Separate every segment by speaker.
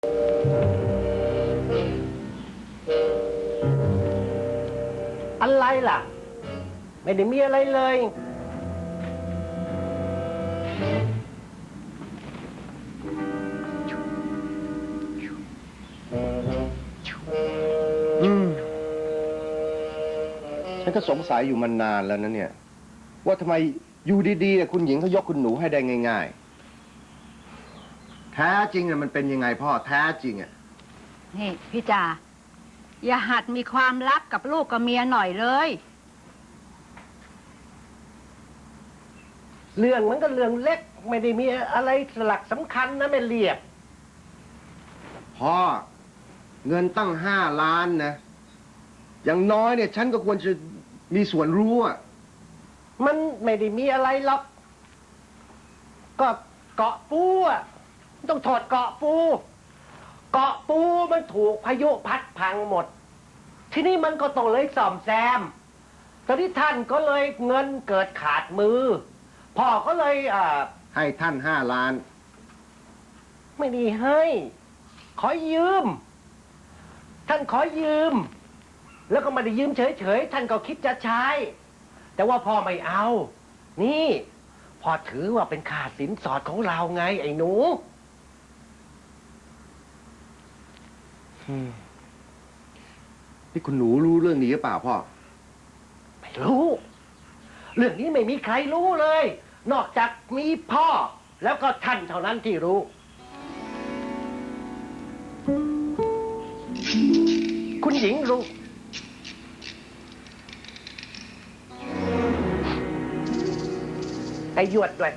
Speaker 1: อะไรล่ะไม่ได้มีอะไรเลย
Speaker 2: ฉันก็สงสัยอยู่มานานแล้วนะเนี่ยว่าทำไมอยู่ดีๆคุณหญิงเขายกคุณหนูให้ได้ง่ายๆแท้จริงมันเป็นยังไงพ่อแท้จริง
Speaker 3: นี่พี่จ่าอย่าหัดมีความรักกับลูกกับเมียหน่อยเลย
Speaker 1: เรื่องมันก็เรื่องเล็กไม่ได้มีอะไรสลักสำคัญนะแม่เรียบ
Speaker 2: พ่อเงินตั้ง5 ล้านนะอย่างน้อยเนี่ยฉันก็ควรจะมีส่วนรู้อ่ะ
Speaker 1: มันไม่ได้มีอะไรหรอกก็เกาะปูอ่ะต้องถอดเกาะปูมันถูกพายุพัดพังหมดทีนี้มันก็ต้องเลยซ่อมแซมตอนนี้ท่านก็เลยเงินเกิดขาดมือพ่อก็เลย
Speaker 2: ให้ท่าน5 ล้าน
Speaker 1: ไม่ได้ให้ขอยืมท่านขอยืมแล้วก็ไม่ได้ยืมเฉยๆท่านก็คิดจะใช้แต่ว่าพ่อไม่เอานี่พ่อถือว่าเป็นค่าสินสอดของเราไงไอ้หนู
Speaker 2: นี่คุณหนูรู้เรื่องนี้หรือเปล่าพ่อ
Speaker 1: ไม่รู้เรื่องนี้ไม่มีใครรู้เลยนอกจากมีพ่อแล้วก็ท่านเท่านั้นที่รู้คุณหญิงรู้ไอ้หยวดด้วย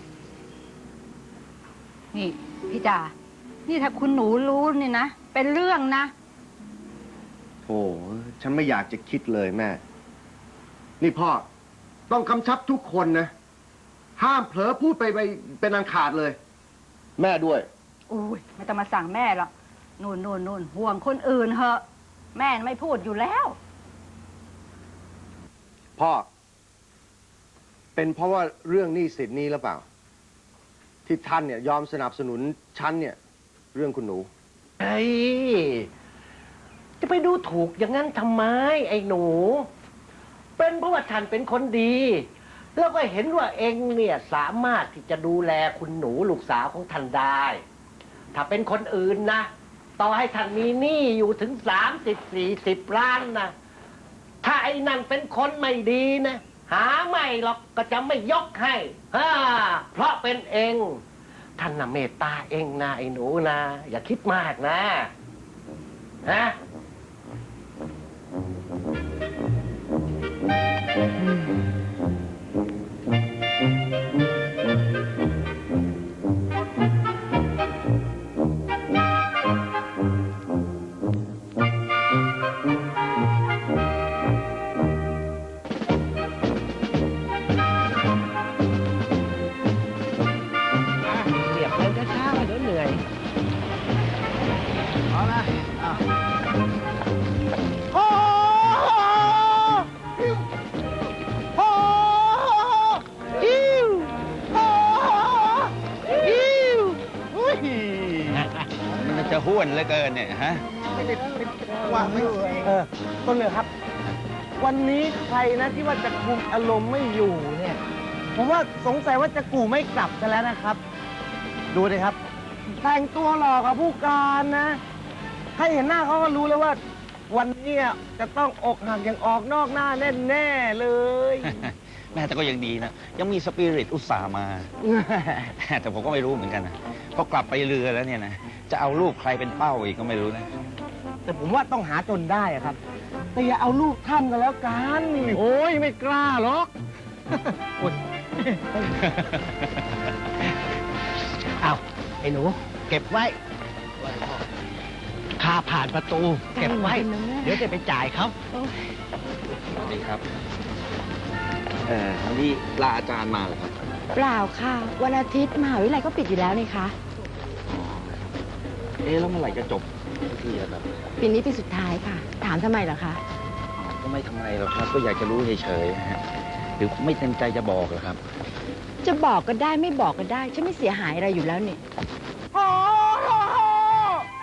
Speaker 3: นี่พี่จ่านี่ถ้าคุณหนูรู้นี่นะเป็นเรื่องนะ
Speaker 2: โอ้ฉันไม่อยากจะคิดเลยแม่นี่พ่อต้องกำชับทุกคนนะห้ามเผลอพูดไปเป็นอันขาดเลยแม่ด้วย
Speaker 3: อุ้ยไม่ต้องมาสั่งแม่หรอกนู่นห่วงคนอื่นเหอะแม่ไม่พูดอยู่แล้ว
Speaker 2: พ่อเป็นเพราะว่าเรื่องหนี้สินนี้หรือเปล่าที่ท่านเนี่ยยอมสนับสนุนฉันเนี่ยเรื่องคุณหนู
Speaker 1: เฮ้ยจะไปดูถูกอย่างนั้นทำไมไอ้หนูเป็นเพราะว่าท่านเป็นคนดีแล้วก็เห็นว่าเองเนี่ยสามารถที่จะดูแลคุณหนูลูกสาวของท่านได้ถ้าเป็นคนอื่นนะต่อให้ท่านมีหนี้อยู่ถึง30-40 ล้านนะถ้าไอ้นั่นเป็นคนไม่ดีนะหาไม่หรอกก็จะไม่ยกให้เพราะเป็นเองท่านน่ะเมตตาเองนะไอ้หนูนะอย่าคิดมากนะฮะ
Speaker 4: จะห้วนเหลือเกินเนี่ยฮะ
Speaker 1: ไม่ได้ว่าไม่ต้นเลยครับวันนี้ใครนะที่ว่าจะคุมอารมณ์ไม่อยู่เนี่ยผมว่าสงสัยว่าจะกูไม่กลับกันแล้วนะครับดูเลยครับแต่งตัวหล่อกับผู้การนะให้เห็นหน้าเขาก็รู้แล้วว่าวันนี้จะต้องอกหักอย่างออกนอกหน้าแน่ๆเลย
Speaker 4: แม่แต่ก็ยังดีนะยังมีสปิริตอุตส่าห์มาแต่ผมก็ไม่รู้เหมือนกันนะพอกลับไปเรือแล้วเนี่ยนะจะเอาลูกใครเป็นเป้าอีกก็ไม่รู้นะ
Speaker 1: แต่ผมว่าต้องหาจนได้ครับแต่อย่าเอาลูกท่านกันแล้วกันโอ้ยไม่กล้าหรอกเอาไอ้หนูเก็บไว้ค่าผ่านประตูเก็บไว้เดี๋ยวจะไปจ่ายเขา
Speaker 4: สวัสดีครับนี่ลาอาจารย์มาเหรอครับ
Speaker 5: เปล่าค่ะวันอาทิตย์มหาวิทยาลัยก็ปิดอยู่แล้วนี่คะ
Speaker 4: แล้วเมื่อไหร่จะจบทีแบบ
Speaker 5: ปีนี้ปีสุดท้ายค่ะถามทำไมเหรอคะ
Speaker 4: ก็ไม่ทำไมหรอกครับก็อยากจะรู้เฉยๆฮะหรือไม่เต็มใจจะบอกเหรอครับ
Speaker 5: จะบอกก็ได้ไม่บอกก็ได้ฉันไม่เสียหายอะไรอยู่แล้วนี่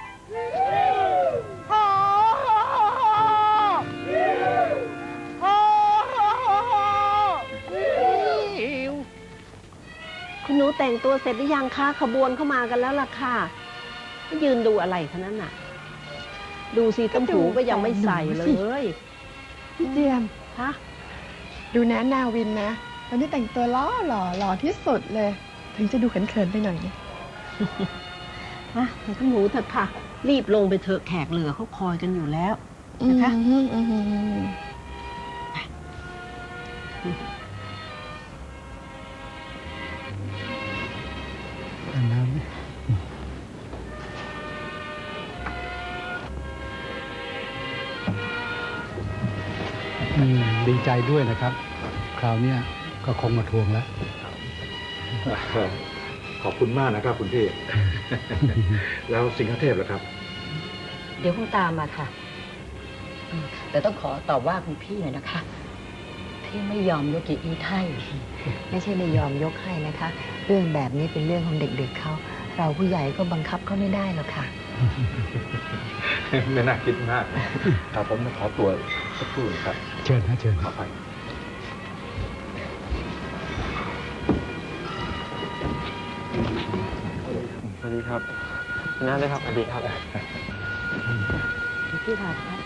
Speaker 6: ตัวเสร็จหรือยังคะขบวนเข้ามากันแล้วล่ะค่ะยืนดูอะไรคะนั้นน่ะ ดูสิต้มหูก็ยังไม่ใส่เลย
Speaker 5: พี่เจียม
Speaker 6: ฮะ
Speaker 5: ดูนะนาวินนะตอนนี้แต่งตัวหล่อที่สุดเลย ถึงจะดูเขินๆไปหน่อยนะ
Speaker 6: มาใส่ต้มหูเถอะค่ะ รีบลงไปเถอะแขกเหลือเขาคอยกันอยู่แล้วนะคะ
Speaker 7: ดีใจด้วยนะครับ คราวเนี้ยก็คงมาทวงแล้ว
Speaker 8: ขอบคุณมากนะครับคุณพี่ แล้วสิงหเทพล่ะครับ
Speaker 3: เดี๋ยวคงตามมาค่ะแต่ต้องขอตอบว่าคุณพี่หน่อยนะคะ ที่ไม่ยอมยกเกียรติให้
Speaker 5: ไม่ใช่ไม่ยอมยกให้นะคะ เรื่องแบบนี้เป็นเรื่องของเด็กๆเขา เราผู้ใหญ่ก็บังคับเขาไม่ได้หรอกค่ะ
Speaker 8: ไม่น่าคิดมากครับผมขอตัวสักครู่ครับ
Speaker 7: เชิญนะเชิญ
Speaker 8: ขอไป
Speaker 2: สวัสดีครับน่าได้ครับสวัสดีครับ
Speaker 5: พี่ผัดครับ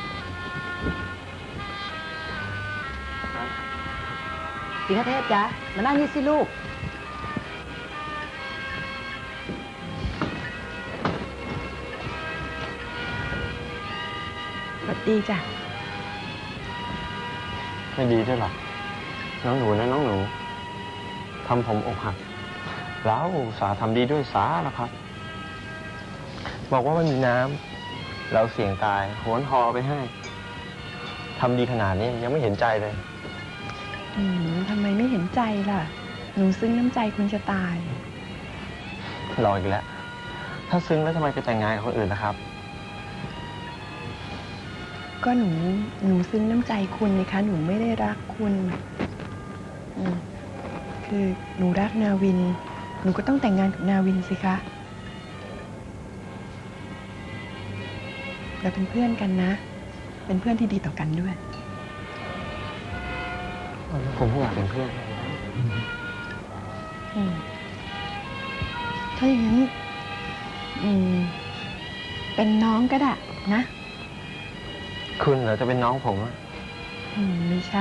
Speaker 3: สิงห์เทพจ๊ะมานั่งนี่สิลูก
Speaker 5: สวัสดีจ้ะ
Speaker 2: ไม่ดีด้วยหรอน้องหนูนะน้องหนูทำผมอกหักแล้วอุตส่าห์ทำดีด้วยสาแล้วครับ บอกว่าไม่มีน้ำเราเสี่ยงตายโหนหอไปให้ทำดีขนาดนี้ยังไม่เห็นใจเลย
Speaker 5: ทำไมไม่เห็นใจล่ะ หนูซึ้งน้ำใจคุณจะตาย
Speaker 2: รออีกแล้ว ถ้าซึ้งแล้วทำไมไปแต่งงานกับคนอื่นล่ะครับ
Speaker 5: ก็หนูซึ้งน้ำใจคุณนี่คะ หนูไม่ได้รักคุณคือหนูรักนาวิน หนูก็ต้องแต่งงานกับนาวินสิคะเราเป็นเพื่อนกันนะ เป็นเพื่อนที่ดีต่อกันด้วย
Speaker 2: ผมก็อยากเป็นเพื่อน
Speaker 5: ถ้าอย่างนั้นเป็นน้องก็ได้นะ
Speaker 2: คุณเหรอจะเป็นน้องผมอะ
Speaker 5: ไม่ใช่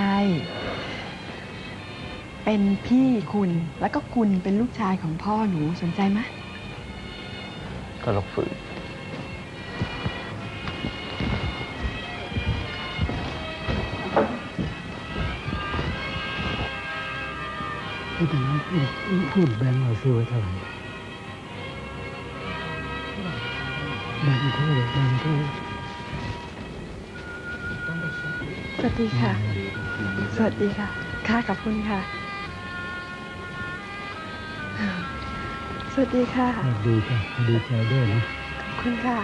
Speaker 5: เป็นพี่คุณ แล้วก็คุณเป็นลูกชายของพ่อหนูสนใจไหม
Speaker 2: ก็ลกฝืน
Speaker 7: ที่แต่นั้นพูดแบงค์เราซื้อไว้เท่าไหร่แบงค์คู่แบงค์คู่
Speaker 5: สวัสดีค่ะ สวัสดีค่ะ ค่ะขอบคุณค่ะ สวัสดีค่ะ
Speaker 7: ดีค่ะดีใจด้วยนะ
Speaker 5: ขอบคุณค่ะ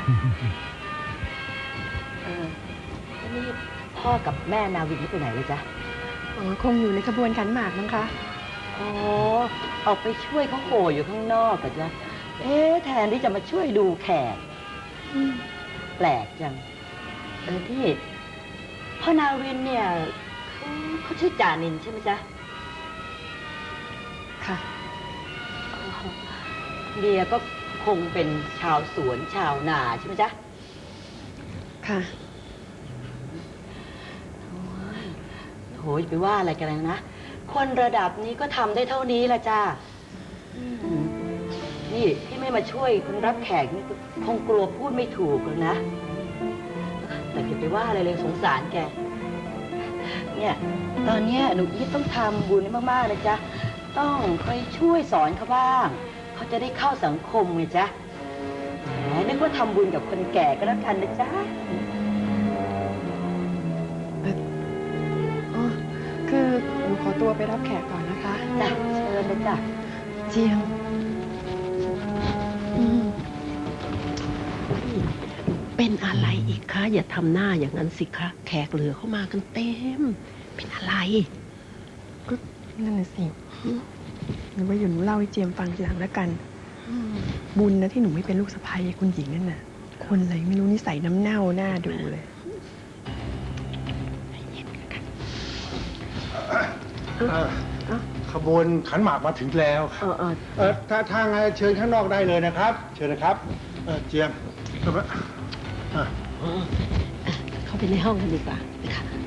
Speaker 3: นี่พ่อกับแม่นาวินนี่ไปไหนเลยจ๊ะ
Speaker 5: คงอยู่ในขบวนขันหมากมั้งคะ
Speaker 3: อ๋อ ออกไปช่วยเขาโห่อยู่ข้างนอกกันจ้ะแทนที่จะมาช่วยดูแขกแปลกจังที่พ่อนาวินเนี่ยเขาชื่อจานินใช่ไหมจ๊ะ
Speaker 5: ค่ะ
Speaker 3: เดียก็คงเป็นชาวสวนชาวนาใช่ไหมจ๊ะ
Speaker 5: ค่ะ
Speaker 3: โหยไปว่าอะไรกันนะ คนระดับนี้ก็ทำได้เท่านี้ละจ้านี่ที่ไม่มาช่วยคุณรับแขกนี่คงกลัวพูดไม่ถูกหรอกนะ แต่อย่าไปว่าอะไรเลยสงสารแก เนี่ยตอนเนี้ยหนูอีทต้องทำบุญให้มากๆเลยจ้ะต้องคอยช่วยสอนเขาบ้าง เขาจะได้เข้าสังคมไงจ๊ะแหมนึกว่าทำบุญกับคนแก่ก็แล้วกันนะจ๊ะ
Speaker 5: คือหนูขอตัวไปรับแขกก่อนนะคะ
Speaker 3: จ้ะเชิญเลยจ้ะ
Speaker 5: เจียง
Speaker 6: เป็นอะไรอีกคะอย่าทำหน้าอย่างนั้นสิคะแขกเหลือเข้ามากันเต็ม เป็นอะไร
Speaker 5: ก็นั่นน่ะสิหนูว่าอยู่หนูเล่าให้เจียมฟังทีหลังแล้วกัน บุญนะที่หนูไม่เป็นลูกสะใภ้คุณหญิงนั่นน่ะ คนอะไรไม่รู้นิสัยน้ำเน่าหน้าดูเลย
Speaker 2: อ
Speaker 7: ขบวนขันหมากมาถึงแล้ว ถ้าทางเชิญข้างนอกได้เลยนะครับ เชิญนะครับเจียมเข้าไป
Speaker 6: เข้าไปในห้องกันดีกว่าค่ะ